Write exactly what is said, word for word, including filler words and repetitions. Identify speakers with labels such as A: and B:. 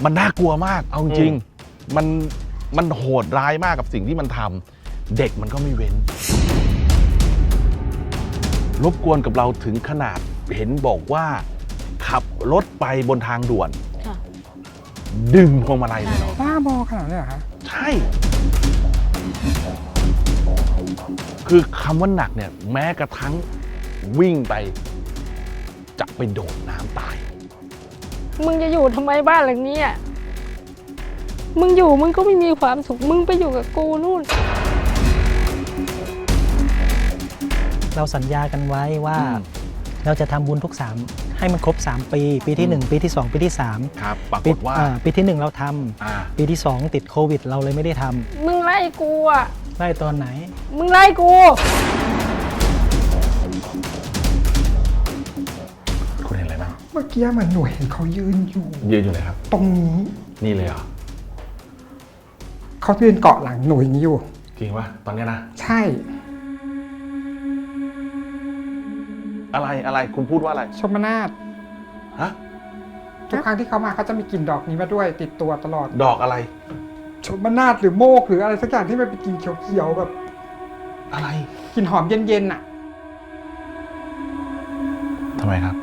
A: มันน่ากลัวมากเอาจริงมันมันโหดร้ายมากกับสิ่งที่มันทำเด็กมันก็ไม่เว้นรบกวนกับเราถึงขนาดเห็นบอกว่าขับรถไปบนทางด่วนดึงพวงมาลัยเลยเนาะ
B: บ้าบอขนาดนี้เหรอคะ
A: ใช่คือคำว่าหนักเนี่ยแม้กระทั่งวิ่งไปจะไปโดดน้ำตาย
C: มึงจะอยู่ทำไมบ้านหลังนี้อ่ะมึงอยู่มึงก็ไม่มีความสุขมึงไปอยู่กับกูนู่น
D: เราสัญญากันไว้ว่าเราจะทำบุญทุกสามให้มันครบสามปีปีที่หนึ่งปีที่สองปีที่สาม
A: ครับปรากฏว่า
D: ปีที่หนึ่งเราทำปีที่สองติดโควิดเราเลยไม่ได้ทำ
C: มึงไล่กูอ่ะ
D: ไล่ตอนไหน
C: มึงไล่กู
A: คุณเห็นอะไรบ้าง
B: เมื่อกี้เหมือนหน่วยเห็นเขายืนอยู่
A: ยืนอยู่เลยครับ
B: ตรงนี้
A: นี่เลยเหรอ
B: เขายืนเกาะหลังหน่วยนี้อยู่
A: จริงปะตอนนี้นะ
B: ใช่
A: อะไรอะไรคุณพูดว่าอะไร
B: ชมนาฏ
A: ฮะ
B: ทุกครั้งที่เขามาเขาจะมีกลิ่นดอกนี้มาด้วยติดตัวตลอด
A: ดอกอะไร
B: ชมนาฏหรือโมกหรืออะไรสักอย่างที่มันเป็นกลิ่นเขียวๆแบบ
A: อะไร
B: กลิ่นหอมเย็นๆน่ะ
A: ทำไมครับ